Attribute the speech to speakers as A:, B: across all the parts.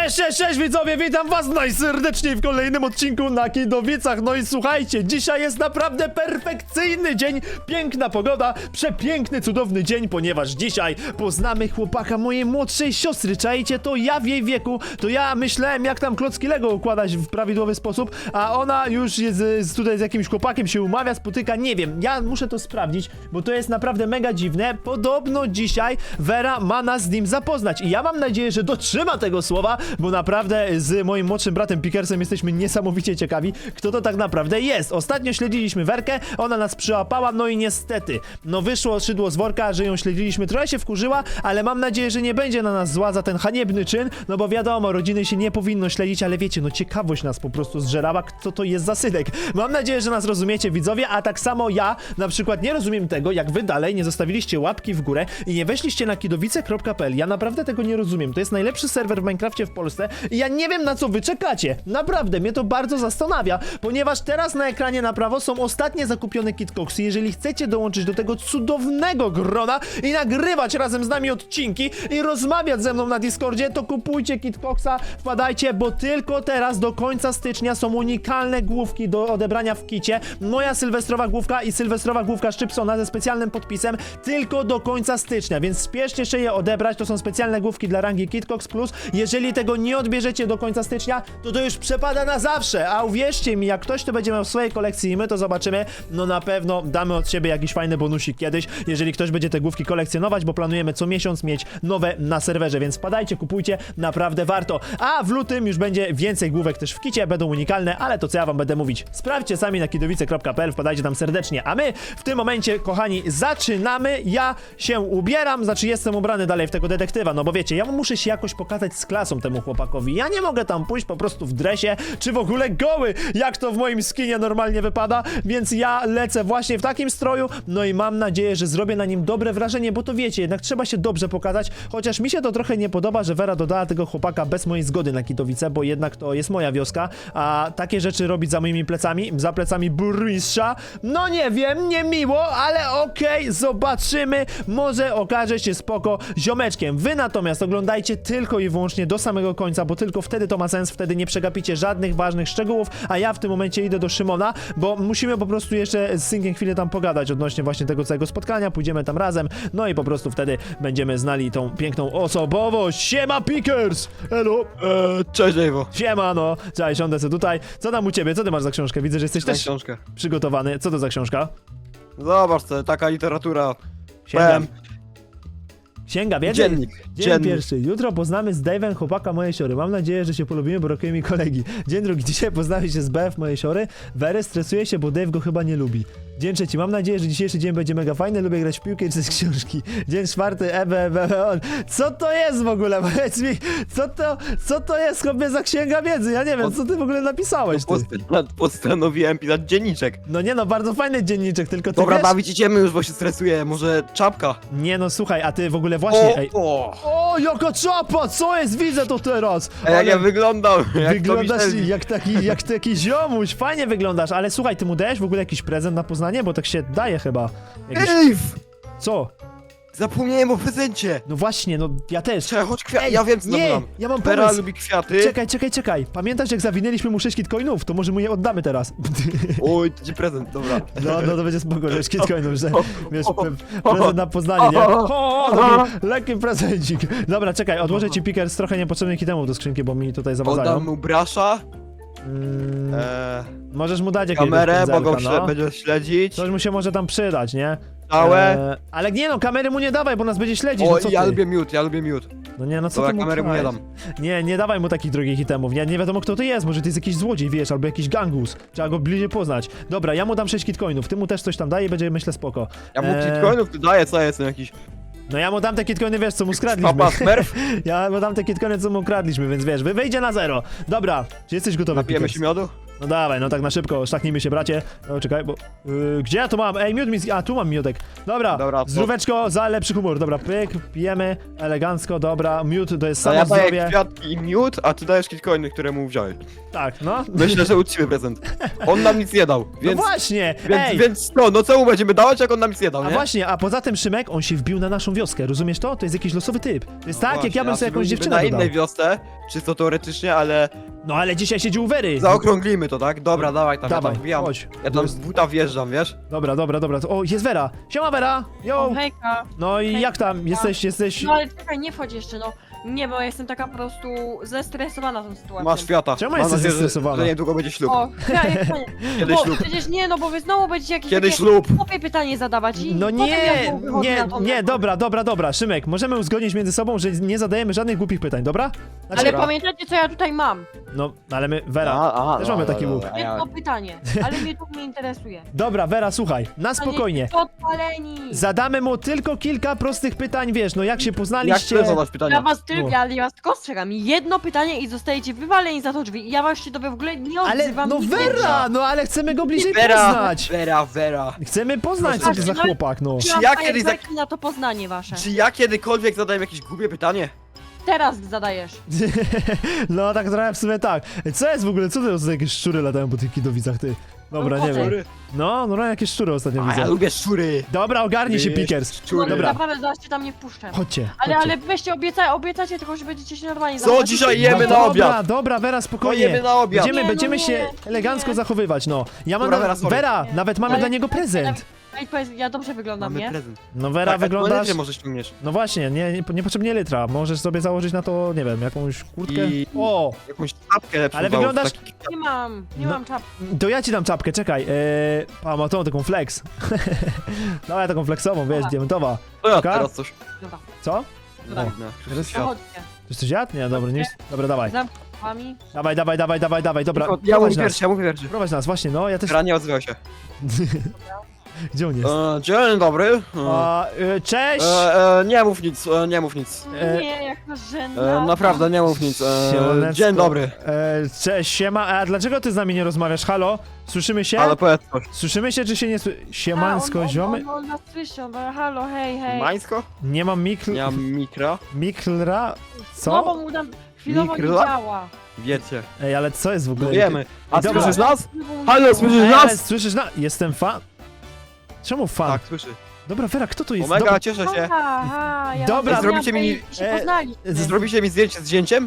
A: Cześć widzowie, witam was najserdeczniej w kolejnym odcinku na Kidowicach. No i słuchajcie, dzisiaj jest naprawdę perfekcyjny dzień, piękna pogoda, przepiękny, cudowny dzień, ponieważ dzisiaj poznamy chłopaka mojej młodszej siostry. Czajcie, to ja w jej wieku, to ja myślałem jak tam klocki Lego układać w prawidłowy sposób, a ona już jest tutaj z jakimś chłopakiem, się umawia, spotyka, nie wiem, ja muszę to sprawdzić, bo to jest naprawdę mega dziwne. Podobno dzisiaj Vera ma nas z nim zapoznać i ja mam nadzieję, że dotrzyma tego słowa, bo naprawdę z moim młodszym bratem Pikersem jesteśmy niesamowicie ciekawi, kto to tak naprawdę jest. Ostatnio śledziliśmy Werkę, ona nas przyłapała, no i niestety, no wyszło szydło z worka, że ją śledziliśmy, trochę się wkurzyła, ale mam nadzieję, że nie będzie na nas zła za ten haniebny czyn, no bo wiadomo, rodziny się nie powinno śledzić, ale wiecie, no ciekawość nas po prostu zżerała, co to jest za synek. Mam nadzieję, że nas rozumiecie, widzowie, a tak samo ja na przykład nie rozumiem tego, jak wy dalej nie zostawiliście łapki w górę i nie weszliście na kidowice.pl. Ja naprawdę tego nie rozumiem. To jest najlepszy serwer w Minecrafcie w Polsce i ja nie wiem, na co wy czekacie. Naprawdę, mnie to bardzo zastanawia, ponieważ teraz na ekranie na prawo są ostatnie zakupione kitcocksy. Jeżeli chcecie dołączyć do tego cudownego grona i nagrywać razem z nami odcinki i rozmawiać ze mną na Discordzie, to kupujcie kitcocksa, wpadajcie, bo tylko teraz do końca stycznia są unikalne główki do odebrania w kicie. Moja sylwestrowa główka i sylwestrowa główka Szczypsona ze specjalnym podpisem tylko do końca stycznia, więc spieszcie się je odebrać. To są specjalne główki dla rangi Kitcox Plus. Jeżeli tego nie odbierzecie do końca stycznia, to już przepada na zawsze, a uwierzcie mi, jak ktoś to będzie miał w swojej kolekcji i my to zobaczymy, no na pewno damy od siebie jakiś fajny bonusik kiedyś, jeżeli ktoś będzie te główki kolekcjonować, bo planujemy co miesiąc mieć nowe na serwerze, więc wpadajcie, kupujcie, naprawdę warto. A w lutym już będzie więcej główek też w kicie, będą unikalne, ale to co ja wam będę mówić, sprawdźcie sami na kidowice.pl, wpadajcie tam serdecznie, a my w tym momencie, kochani, zaczynamy. Ja się ubieram, znaczy jestem ubrany dalej w tego detektywa, no bo wiecie, ja muszę się jakoś pokazać z klasą temu chłopakowi, ja nie mogę tam pójść po prostu w dresie, czy w ogóle goły, jak to w moim skinie normalnie wypada, więc ja lecę właśnie w takim stroju, no i mam nadzieję, że zrobię na nim dobre wrażenie, bo to wiecie, jednak trzeba się dobrze pokazać, chociaż mi się to trochę nie podoba, że Vera dodała tego chłopaka bez mojej zgody na Kidowice, bo jednak to jest moja wioska, a takie rzeczy robić za moimi plecami, za plecami burmistrza, no nie wiem, nie miło, ale okej, zobaczymy, może okaże się spoko ziomeczkiem. Wy natomiast oglądajcie tylko i wyłącznie do samego końca, bo tylko wtedy to ma sens, wtedy nie przegapicie żadnych ważnych szczegółów, a ja w tym momencie idę do Szymona, bo musimy po prostu jeszcze z Synkiem chwilę tam pogadać odnośnie właśnie tego całego spotkania, pójdziemy tam razem, no i po prostu wtedy będziemy znali tą piękną osobowość. Siema Pikers! Elo!
B: Cześć Ewo.
A: Siema, no, cześć, siądę sobie tutaj. Co tam u ciebie? Co ty masz za książkę? Widzę, że jesteś też
B: Książkę.
A: przygotowany. Co to za książka?
B: Zobacz co, taka literatura.
A: Sięgam. Księga wiedzy?
B: Dziennik.
A: Dzień pierwszy. Jutro poznamy z Dave'em chłopaka mojej siory. Mam nadzieję, że się polubimy, bo rokuje mi kolegi. Dzień drugi. Dzisiaj poznamy się z BF mojej siory. Wery stresuje się, bo Dave go chyba nie lubi. Dzień trzeci. Mam nadzieję, że dzisiejszy dzień będzie mega fajny. Lubię grać w piłkę i czytać książki. Dzień czwarty. Co to jest w ogóle? Powiedz mi, co to jest chłopie za księga wiedzy? Ja nie wiem, co ty w ogóle napisałeś, ty?
B: Postanowiłem pisać dzienniczek.
A: No nie no, bardzo fajny dzienniczek, tylko ty
B: Dobra,
A: wiesz...
B: bawić idziemy już, bo się stresuję. Może czapka?
A: Nie no, słuchaj, a ty w ogóle właśnie... Ej. O, jaka czapa! Co jest? Widzę to teraz!
B: Jak ja wyglądam?
A: Wyglądasz jak taki ziomuś, fajnie wyglądasz, ale słuchaj, ty mu dajesz w ogóle jakiś prezent na Poznanie? Bo tak się daje chyba. Jakiś...
B: Ej!
A: Co?
B: Zapomniałem o prezencie!
A: No właśnie, no ja też.
B: Czekaj, chodź kwiaty,
A: Ej,
B: ja wiem co
A: nie,
B: mam.
A: ja mam
B: Vera
A: pomysł.
B: lubi kwiaty.
A: Czekaj. Pamiętasz, jak zawinęliśmy mu 6 kitcoinów? To może mu je oddamy teraz.
B: Oj, to ci prezent, dobra.
A: No to będzie spoko, że 6 kitcoinów, że wiesz, prezent na Poznanie, nie? Taki lekki prezencik. Dobra, czekaj, odłożę ci Pickers trochę niepotrzebnych itemów do skrzynki, bo mi tutaj zawadzają.
B: Oddam mu brasza.
A: Możesz mu dać jakieś
B: Kamerę, bo go
A: no.
B: będzie śledzić.
A: Coś mu się może tam przydać, nie?
B: Całe.
A: Ale nie no, kamery mu nie dawaj, bo nas będzie śledzić, no
B: O,
A: co ty?
B: ja lubię miód.
A: No nie, no co
B: Dobra,
A: ty mu
B: kamery mu nie dam.
A: Nie dawaj mu takich drogich itemów, nie wiadomo kto to jest, może to jest jakiś złodziej, wiesz, albo jakiś gangus. Trzeba go bliżej poznać. Dobra, ja mu dam 6 kitcoinów, ty mu też coś tam daje i będzie, myślę, spoko.
B: Ja mu kitcoinów tu daję, co ja jestem jakiś...
A: No ja mu dam te kitcoiny, wiesz, co mu skradliśmy.
B: Papa Smurf?
A: Ja mu dam te kitcoiny, co mu kradliśmy, więc wiesz, wyjdzie na 0. Dobra, czy jesteś gotowy,
B: Napijemy
A: Pickers?
B: się miodu?
A: No dawaj, no tak na szybko, szlachnijmy się, bracie. No czekaj, bo... gdzie ja to mam? Ej, miód mi... A, tu mam miodek. Dobra,
B: Dobra, to-
A: zdróweczko za lepszy humor. Dobra, pyk, pijemy, elegancko, dobra. Miód to jest
B: A
A: samo
B: ja daję
A: zdrowie.
B: kwiatki i miód, a ty dajesz kitcoiny, które mu wziąłeś.
A: Tak, no.
B: Myślę, że uczciwy prezent. On nam nic nie dał,
A: No
B: więc...
A: właśnie, ej!
B: Więc no co mu będziemy dawać, jak on nam nic nie dał,
A: A
B: nie?
A: właśnie, a poza tym Szymek, on się wbił na naszą wioskę, rozumiesz to? To jest jakiś losowy typ. To jest tak, jak ja bym sobie jakąś dziewczynę
B: na
A: dodał.
B: innej wiosce, czysto teoretycznie, ale
A: No ale dzisiaj siedzi u Wery.
B: zaokrąglimy to, tak? Dobra, dawaj tam,
A: Dawaj,
B: ja tam wbijam.
A: chodź.
B: Ja tam z buta wjeżdżam, wiesz?
A: Dobra. O, jest Wera. Siema Wera. Yo.
C: O, hejka.
A: No i
C: hej.
A: jak tam? Jesteś...
C: No ale czekaj, nie wchodź jeszcze, no. Nie, bo ja jestem taka po prostu zestresowana tą sytuacją.
B: Masz kwiata.
A: Czemu
B: Mam
A: jesteś
B: nadzieję,
A: zestresowana?
B: że niedługo będzie ślub.
C: O, ja,
B: Kiedy
C: bo
B: ślub?
C: przecież nie, no bo wy znowu będziecie jakieś
B: Kiedy
C: takie
B: ślub?
C: głupie pytanie zadawać i
A: No
C: potem
A: nie,
C: ja znowu wychodzę
A: nie,
C: na to
A: nie,
C: mego.
A: dobra. Szymek, możemy uzgodnić między sobą, że nie zadajemy żadnych głupich pytań, dobra? Znaczy,
C: Ale
B: Dobra.
C: pamiętajcie, co ja tutaj mam.
A: No, ale my... Wera. Też mamy taki łuk.
C: Jedno pytanie, ale mnie to nie interesuje.
A: Dobra, Wera, słuchaj, na spokojnie.
C: Podpaleni.
A: Zadamy mu tylko kilka prostych pytań, wiesz, no jak się
B: Jak
A: poznaliście...
B: chcesz zadać
C: Ja
B: pytania?
C: was tylko,
A: No.
C: ja was tylko ostrzegam. Jedno pytanie i zostajecie wywaleni za to drzwi. I ja was się w ogóle nie
A: Ale,
C: odzywam.
A: no
C: nigdy.
A: Wera, no ale chcemy go bliżej
B: Vera,
A: poznać.
B: Vera.
A: Chcemy poznać, co to za
C: No,
A: chłopak, no.
C: Ja mam
B: ja kiedyś
C: fajerwerki na to poznanie wasze.
B: Czy ja kiedykolwiek zadałem jakieś głupie pytanie?
C: Teraz zadajesz.
A: No tak trochę w sumie tak. Co jest w ogóle, co to za jakieś szczury latają po tych kidowicach, ty? Dobra,
C: No,
A: nie wiem.
C: koty.
A: No, jakieś szczury ostatnio
B: A ja
A: widzę.
B: lubię szczury.
A: Dobra, ogarnij się,
B: Wiesz,
A: Pickers.
C: No,
B: Szczury.
A: Dobra.
C: naprawdę zaraz cię tam nie wpuszczę.
A: Chodźcie,
C: Ale,
A: chodźcie.
C: ale weźcie, obiecacie tylko, że będziecie się normalnie
B: Co
C: zachowywać.
B: dzisiaj
A: No
B: jemy na obiad?
A: Dobra, Wera,
B: To
A: spokojnie.
B: jemy na obiad.
C: Nie, no
A: Będziemy
C: nie,
A: się elegancko
C: nie.
A: zachowywać, no. Ja mam
B: Dobra,
A: na...
B: Wera, sorry.
A: Vera,
C: Nie.
A: nawet mamy
C: Ale-
A: dla niego prezent.
C: Ej, powiedz, ja dobrze wyglądam,
B: Mamy
C: nie?
B: prezent.
A: No Vera,
B: Tak,
A: wyglądasz...
B: jak może ściągniesz.
A: No właśnie, niepotrzebnie litra. Możesz sobie założyć na to, nie wiem, jakąś kurtkę.
B: I-
A: O,
B: Jakąś czapkę lepszą.
A: Ale
B: dał,
A: wyglądasz-
B: taki-
C: Nie
A: No.
C: mam czapki.
A: to ja ci dam czapkę, czekaj. Ma tą taką flex. Dawaj taką flexową, wiesz,
C: Dobra.
A: diamentowa.
B: To ja
A: Taka?
B: teraz coś.
C: Dobra,
A: Co?
C: Dobra.
B: Dziwne.
A: Teraz-
B: Świat.
C: zachodźcie.
A: To coś jadł? Nie, dobra, nie. Dobra, dawaj.
C: Zamknąć.
A: Dawaj, dobra.
B: Ja
A: Prowadź
B: mówię
A: nas.
B: pierwszy, ja mówię pierwszy.
A: Prowadź nas, właśnie, no, ja też...
B: Gra nie odzywał się.
A: Gdzie on jest?
B: Dzień dobry.
A: Cześć!
B: Nie mów nic, nie mów nic.
C: Nie, jak to żenada.
B: Naprawdę, nie mów nic.
A: Siemaneczko.
B: Dzień dobry.
A: Cześć, siema. A dlaczego ty z nami nie rozmawiasz? Halo? Słyszymy się?
B: Ale powiedz coś.
A: Słyszymy się, czy się nie Siemansko, ziomy?
C: On nas słyszy, on halo, hej.
B: Mańsko?
A: Nie mam
B: Nie mam mikra.
A: miklra?
C: No bo
A: Co?
C: mu tam chwilowo nie
B: Mikro?
C: działa.
B: Wiecie.
A: Ej, ale co jest w ogóle?
B: Wiemy. A
A: Dobra.
B: słyszysz nas?
C: Chwilowo mu
B: Halo,
C: działa.
B: słyszysz
A: Ej,
B: nas?
A: ale słyszysz na... Jestem fan. Czemu fan?
B: Tak, słyszy.
A: Dobra, Vera, kto tu jest?
B: Omega, cieszę się.
C: Aha, ja
A: Dobra,
C: mam
B: zrobicie mi-
C: się poznali.
B: Zrobicie mi zdjęcie z zdjęciem?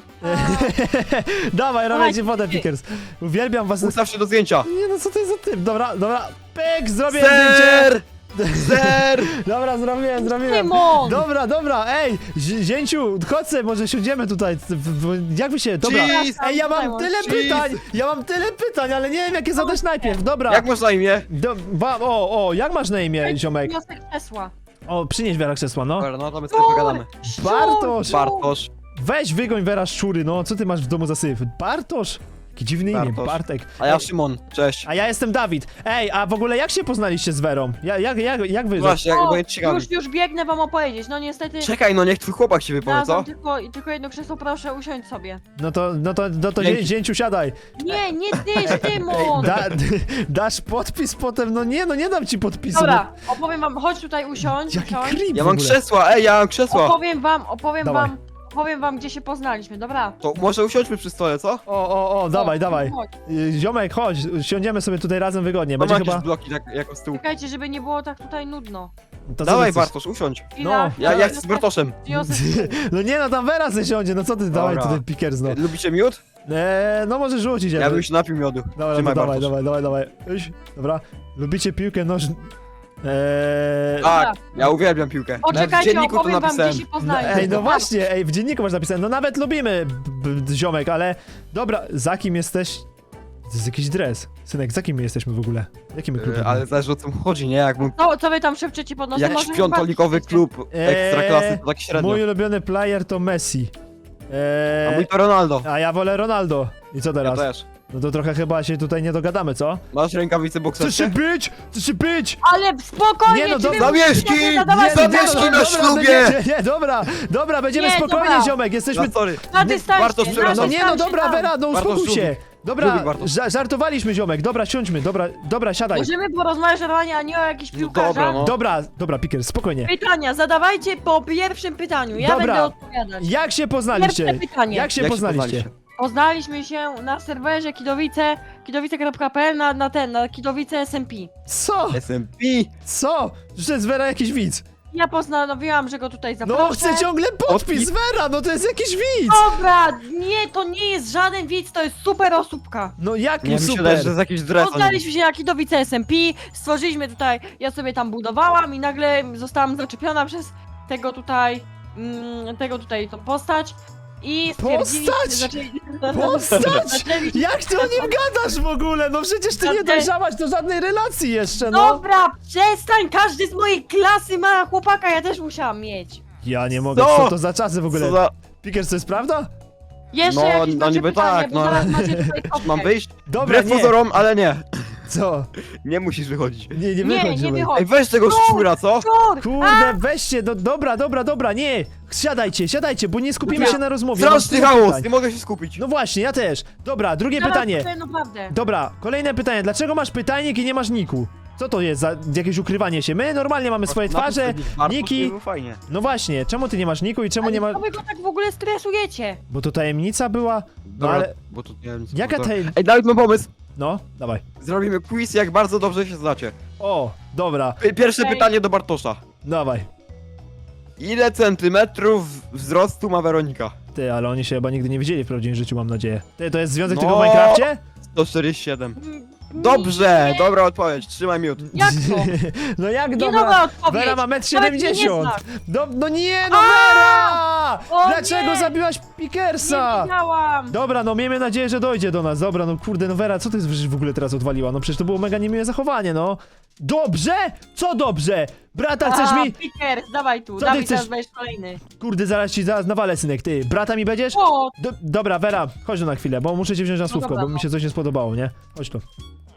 A: Dawaj, robię
C: Dawaj,
A: ci wodę,
C: ty.
A: Pickers. Uwielbiam was.
B: Ustaw się do zdjęcia.
A: Nie no, co to jest za typ? Dobra, pyk, zrobię zdjęcie.
B: Ser!
A: Dobra, zrobiłem.
C: Tymon!
A: Dobra, ej, zięciu, chodź sobie, może siądziemy tutaj. Jak wy się, dobra.
B: Cheese!
A: Ej, ja mam tyle
B: Cheese!
A: pytań, ale nie wiem jakie zadać najpierw, dobra.
B: Jak masz na imię?
A: Jak masz na imię, ziomek?
C: Wniosek krzesła.
A: O, przynieś Wera krzesła, no.
B: Dobra, no to my sobie pogadamy.
A: Bartosz!
B: Bartosz.
A: Weź wygoń Wera szczury, no, co ty masz w domu za syf? Bartosz? Jakie dziwne imię,
B: Bartosz.
A: Bartek.
B: A ja
A: Ej,
B: Szymon. Cześć.
A: a ja jestem Dawid. Ej, a w ogóle jak się poznaliście z Werą? Jak wy...
B: Właśnie, jak
C: O,
B: bo ciekawi.
C: już biegnę wam opowiedzieć. No niestety.
B: Czekaj, no niech twój chłopak się wypowie, co?
C: Znalazłam tylko jedno krzesło, proszę usiąść sobie.
A: No to
B: Dzięki.
A: zięciu siadaj.
C: Nie ty, Tymon!
A: Dasz podpis potem? No nie dam ci podpisu.
C: Dobra, opowiem wam, chodź tutaj usiądź,
A: Jaki
C: usiądź.
A: creep
B: Ja
A: w
B: mam
A: ogóle.
B: krzesła, ja mam krzesła.
C: Opowiem wam, gdzie się poznaliśmy, dobra?
B: To może usiądźmy przy stole, co?
A: O, dawaj.
C: Chodź.
A: Ziomek, chodź, siądziemy sobie tutaj razem wygodnie.
B: Mam
A: Będzie
B: jakieś
A: chyba...
B: bloki tak, jako z tyłu.
C: Czekajcie, żeby nie było tak tutaj nudno.
A: To co
B: Dawaj
A: ty chcesz?
B: Bartosz, usiądź.
C: Chwila,
A: No,
B: Ja chcę z Bartoszem.
C: Wniosek.
A: No nie no, tam Vera se siądzie, no co ty, dawaj
B: Dobra.
A: tutaj Pickers, no.
B: Lubicie miód?
A: No może rzucić.
B: Ja bym się napił miodu.
A: Dobra,
B: Trzymaj,
A: no
B: Bartosz.
A: dawaj. Iść. Dobra. Lubicie piłkę nożną?
B: Tak, ja uwielbiam piłkę. Nawet w
C: Poczekajcie,
B: dzienniku to
C: opowiem wam,
B: napisałem.
C: gdzie się poznaliśmy.
A: Ej, no
C: Dobra.
A: właśnie, w dzienniku masz napisane, no nawet lubimy, ziomek, ale... Dobra, za kim jesteś? To jest jakiś dres. Synek, za kim my jesteśmy w ogóle? Jaki my klub?
B: Ale zależy o co mu chodzi, nie? Jakbym
C: Co wy tam szepczecie pod nosem?
B: jakiś
C: Może
B: piątolikowy
C: chyba-
B: klub ekstraklasy, to tak średnio.
A: Mój ulubiony player to Messi.
B: A mój to Ronaldo.
A: A ja wolę Ronaldo. I co
B: Ja
A: teraz?
B: też.
A: No to trochę chyba się tutaj nie dogadamy, co?
B: Masz rękawice bokserskie?
A: Chcesz się być?
C: Ale spokojnie,
A: Nie, no
C: czy wy
A: dobra.
C: musicie
B: Zamieszki!
C: zadawać
B: Zamieszki
C: pytania?
B: na ślubie!
A: Nie, dobra, będziemy
C: Nie,
A: spokojnie,
C: dobra.
A: ziomek, jesteśmy...
B: No sorry.
C: Na dystansie,
B: Bartosz,
C: na
B: przepraszam.
A: No nie, no
C: dystansie
A: dobra,
C: tam.
A: Vera, no
B: Bartosz,
A: uspokój się. Dobra,
B: Lubi Bartosz.
A: żartowaliśmy, ziomek. Dobra, siądźmy. Dobra, siadaj.
C: Możemy porozmawiać normalnie, a nie o jakichś
B: No
C: piłkarzach?
B: dobra, no.
A: Dobra, Pickers, spokojnie.
C: Pytania, zadawajcie po pierwszym pytaniu, ja
A: Dobra.
C: będę odpowiadać.
A: Jak się poznaliście?
C: Pierwsze pytanie.
A: Jak się
B: Jak się
A: poznaliście?
C: Poznaliśmy się na serwerze kidowice.pl na kidowice SMP.
A: Co?
B: SMP.
A: Co? Że to jest Vera jakiś widz.
C: Ja postanowiłam, że go tutaj zaproszę.
A: No, chcę ciągle podpis Vera, no to jest jakiś widz.
C: Dobra, nie, to nie jest żaden widz, to jest super osóbka.
A: No jak
B: Nie, mi się
A: super.
B: wydaje, że jest jakiś dres.
C: Poznaliśmy się na kidowice SMP, stworzyliśmy tutaj, ja sobie tam budowałam i nagle zostałam zaczepiona przez tego tutaj tą postać. I stwierdzili,
A: Postać? Postać?
C: zaczęli...
A: Jak ty o nim gadasz w ogóle? No przecież ty nie
C: Żadnej-
A: dojrzałaś do żadnej relacji jeszcze, no.
C: Dobra, przestań, każdy z mojej klasy ma chłopaka, ja też musiałam mieć.
A: Ja nie mogę,
B: Co?
A: co to za czasy w ogóle?
B: Co za...
A: Pickers, to jest prawda?
C: Jeszcze
B: No,
C: jakieś
B: no
C: macie
B: niby
C: pytanie,
B: tak,
C: bo
B: no,
C: zaraz
B: ale-
C: macie tutaj
B: Mam
C: kopkę.
B: wyjść?
A: Dobra,
B: Wbrew
A: nie.
B: pozorom, ale nie.
A: Co?
B: Nie musisz wychodzić.
A: Nie
C: Nie,
A: wychodź,
C: nie
A: ziomek.
C: wychodź.
B: Ej, weź tego szczura, co?
C: Szczur!
A: Kurde, weźcie, dobra, nie. Siadajcie, bo nie skupimy
C: Dobra.
A: się na rozmowie. Mam
B: Straszny
A: dużo
B: chaos,
A: pytań.
B: nie mogę się skupić.
A: No właśnie, ja też. Dobra, drugie
C: Zaraz
A: pytanie.
C: powiem naprawdę.
A: Dobra, kolejne pytanie. Dlaczego masz pytajnik i nie masz niku? Co to jest za jakieś ukrywanie się? My normalnie mamy swoje twarze, niki.
B: Fajnie.
A: No właśnie, czemu ty nie masz niku i czemu nie ma...
C: Co wy go tak w ogóle stresujecie?
A: Bo to tajemnica była? No
B: Dobra,
A: ale...
B: bo tu nie wiem, co
A: Jaka
B: to-
A: taj...
B: Ej, Dawid, mam pomysł.
A: No, dawaj.
B: Zrobimy quiz, jak bardzo dobrze się znacie.
A: O, dobra,
B: Pierwsze
C: Okej.
B: pytanie do Bartosza.
A: dawaj.
B: Ile centymetrów wzrostu ma Weronika?
A: Ty, ale oni się chyba nigdy nie widzieli w prawdziwym życiu, mam nadzieję. Ty, to jest związek
B: No.
A: tylko w Minecrafcie?
B: 147.
C: Mm,
B: Dobrze,
C: nie,
B: dobra odpowiedź, trzymaj miód.
C: Jak to?
A: No jak
C: Nie
A: dobra?
C: nowa odpowiedź.
A: Vera ma
C: Nawet mnie nie
A: 1,70 m.
C: znasz.
A: No nie, no Vera!
C: O
A: Dlaczego
C: nie!
A: zabiłaś
C: Nie
A: Pickersa?
C: wiedziałam.
A: Dobra, no miejmy nadzieję, że dojdzie do nas. Dobra, no kurde, no Vera, co ty w ogóle teraz odwaliła? No przecież to było mega niemiłe zachowanie, no. Dobrze? Co dobrze? Brata, chcesz mi...
C: Pickers, dawaj tu,
A: Co ty
C: Dawid,
A: chcesz?
C: teraz będziesz kolejny.
A: Kurde, zaraz nawalę, synek, ty. Brata mi będziesz?
C: O,
A: Dobra, Vera, chodź tu na chwilę, bo muszę cię wziąć na słówko,
C: dobra,
A: bo mi
C: no.
A: się coś nie spodobało, nie? Chodź tu.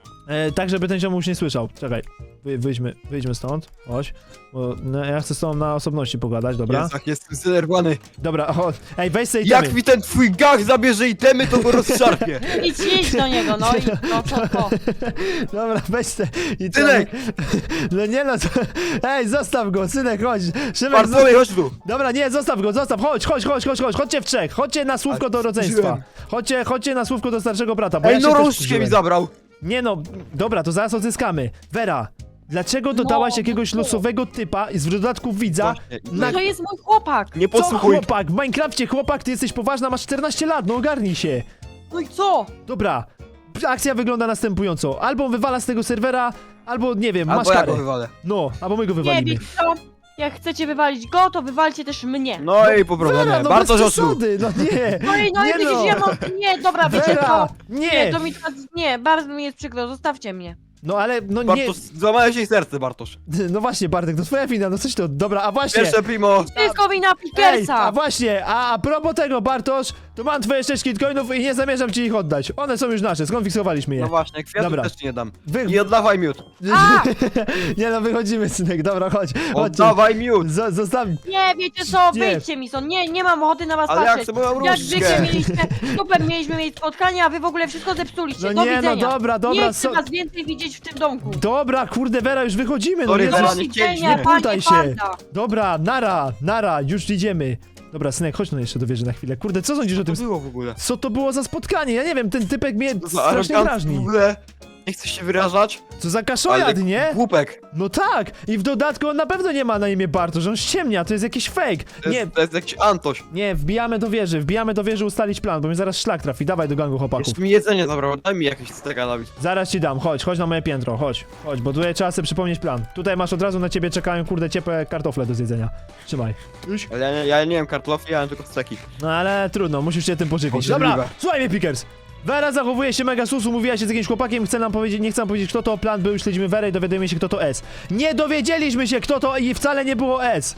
A: Tak, żeby ten ziomuś nie słyszał. Czekaj, wyjdźmy stąd, chodź. Bo no, ja chcę z tobą na osobności pogadać, dobra?
B: Jest, jak jestem zdenerwowany.
A: Dobra, ej, weź sobie
B: Jak
A: itemy.
B: mi ten twój gach zabierze itemy, to go rozszarpie.
C: idź do niego, no i no co?
A: Dobra, weź te itemy.
B: Synek!
A: No nie no, ej, zostaw go, synek, chodź. Szymek,
B: Bartłomiej, chodź tu.
A: Dobra, nie, zostaw go, chodźcie w trzech, chodźcie na słówko
B: Ale
A: do rodzeństwa.
B: wkurzyłem.
A: Chodźcie na słówko do starszego brata, bo
B: Ej,
A: ja się
B: no
A: też
B: różdżkę mi
A: wkurzyłem.
B: zabrał.
A: Nie no, dobra, to zaraz odzyskamy. Vera, dlaczego dodałaś jakiegoś
C: no.
A: losowego typa i w dodatku widza?
B: Właśnie,
A: Na...
C: To jest mój chłopak.
B: Nie
A: Co
B: podsłuchuj.
A: chłopak? W Minecrafcie chłopak, ty jesteś poważna, masz 14 lat, no ogarnij się.
C: No i co?
A: Dobra, akcja wygląda następująco. Albo wywala z tego serwera, albo nie wiem, masz
B: Albo ja
A: karę.
B: go wywalę.
A: No, albo my go
C: Nie,
A: wywalimy.
C: wiecie co? Jak chcecie wywalić go, to wywalcie też mnie.
B: No i po problemie.
A: Vera, no
B: Bartosz
A: bez
B: oczu.
A: przesady, no nie.
C: No i
A: nie
C: widzisz,
A: no.
C: ja mam... Nie, dobra, wiecie
A: Vera,
C: co?
A: nie.
C: to mi teraz... Nie, bardzo mi jest przykro, zostawcie mnie.
A: No ale, no nie.
B: Bartosz, złamałeś jej serce, Bartosz.
A: No właśnie, Bartek, to twoja wina, no coś to. Dobra, a właśnie.
B: Pierwsze primo.
C: Wszystko wina
A: Ej,
C: Pickersa.
A: a właśnie, a propos tego, Bartosz, to mam twoje 6 kitcoinów i nie zamierzam ci ich oddać. One są już nasze, skonfiksowaliśmy je.
B: No właśnie, kwiatów
A: Dobra.
B: też ci nie dam.
A: Wy...
B: I oddawaj miód.
C: A!
A: Nie no, wychodzimy, synek, dobra, chodź. Chodźcie.
B: Oddawaj miód.
A: Zostaw...
C: Nie, wiecie co?
A: Nie.
C: Wyjdźcie mi stąd. Nie mam ochoty na was
B: Ale ja
C: patrzeć.
B: chcę moją
C: Jak
B: różdżkę.
C: zwykle super mieliśmy mieć spotkanie, a wy w ogóle wszystko zepsuliście.
A: No
C: Do
A: nie, no
C: widzenia.
A: dobra,
C: Nie chcę
A: so...
C: was więcej widzieć w tym domku.
A: Dobra, kurde, Vera, już wychodzimy, no
B: Sorry,
A: Jezus.
B: Vera,
C: Do
B: nie
C: widzenia,
B: chcieliśmy.
C: panie
A: Putaj się.
C: Panda.
A: Dobra, nara, już idziemy. Dobra, synek, chodź no jeszcze do wieży na chwilę. Kurde, co sądzisz o
B: Co
A: tym?
B: to było w ogóle?
A: Co to było za spotkanie? Ja nie wiem, ten typek mnie
B: Co za
A: strasznie
B: arogancki w
A: drażni.
B: ogóle. Nie chcesz się wyrażać?
A: Co za kaszojad, nie?
B: Głupek.
A: No tak! I w dodatku on na pewno nie ma na imię Bartosz, on ściemnia, to jest jakiś fake.
B: To jest jakiś Antoś.
A: Nie, wbijamy do wieży ustalić plan, bo mi zaraz szlak trafi. Dawaj do gangu chłopaków.
B: Jeszcze mi jedzenie zabrał, daj mi jakieś steka, Dawid.
A: Zaraz ci dam, chodź na moje piętro, chodź, bo tutaj trzeba sobie przypomnieć plan. Tutaj masz od razu na ciebie czekają, kurde, ciepłe kartofle do zjedzenia. Trzymaj. Już?
B: Ale ja nie wiem kartofli, ja mam tylko steki.
A: No ale trudno, musisz się tym pożywić.
B: Obrzydliwe.
A: Dobra, słuchaj mnie, Pickers. Vera zachowuje się mega susu, mówiła się z jakimś chłopakiem, chce nam powiedzieć, nie chce nam powiedzieć kto to, plan był, śledzimy Werę i dowiadujemy się kto to S. Nie dowiedzieliśmy się kto to i wcale nie było S.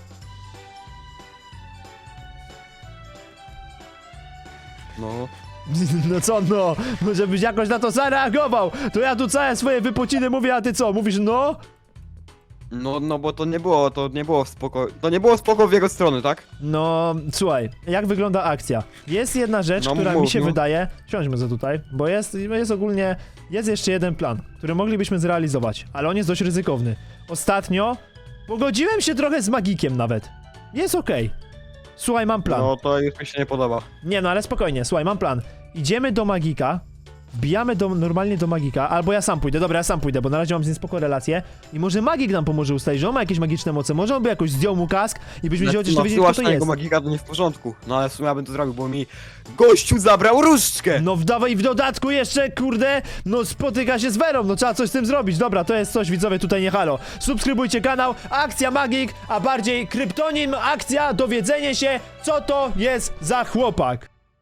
B: No.
A: No co no, żebyś jakoś na to zareagował. To ja tu całe swoje wypociny mówię, a ty co, mówisz no?
B: No bo to nie było spoko. To nie było spoko w jego stronę, tak?
A: No, słuchaj, jak wygląda akcja? Jest jedna rzecz,
B: No,
A: która mi
B: mów,
A: się
B: no.
A: wydaje... Siądźmy za tutaj, bo jest ogólnie... Jest jeszcze jeden plan, który moglibyśmy zrealizować, ale on jest dość ryzykowny. Ostatnio pogodziłem się trochę z magikiem nawet. Jest okej. Słuchaj, mam plan.
B: No to już mi się nie podoba.
A: Nie no, ale spokojnie, słuchaj, mam plan. Idziemy do magika, wbijamy normalnie do magika, albo ja sam pójdę, dobra, ja sam pójdę, bo na razie mam z nim spoko relację i może magik nam pomoże ustalić, że on ma jakieś magiczne moce, może on by jakoś zdjął mu kask i byśmy chociaż dowiedzieli, kto to
B: jego
A: jest.
B: magika to nie w porządku. No ale w sumie ja bym to zrobił, bo mi gościu zabrał różdżkę!
A: No wdawaj w dodatku jeszcze, kurde, no spotyka się z Werą, no trzeba coś z tym zrobić. Dobra, to jest coś, widzowie, tutaj nie halo. Subskrybujcie kanał, akcja magik, a bardziej kryptonim, akcja, dowiedzenie się, co to jest za chłopak.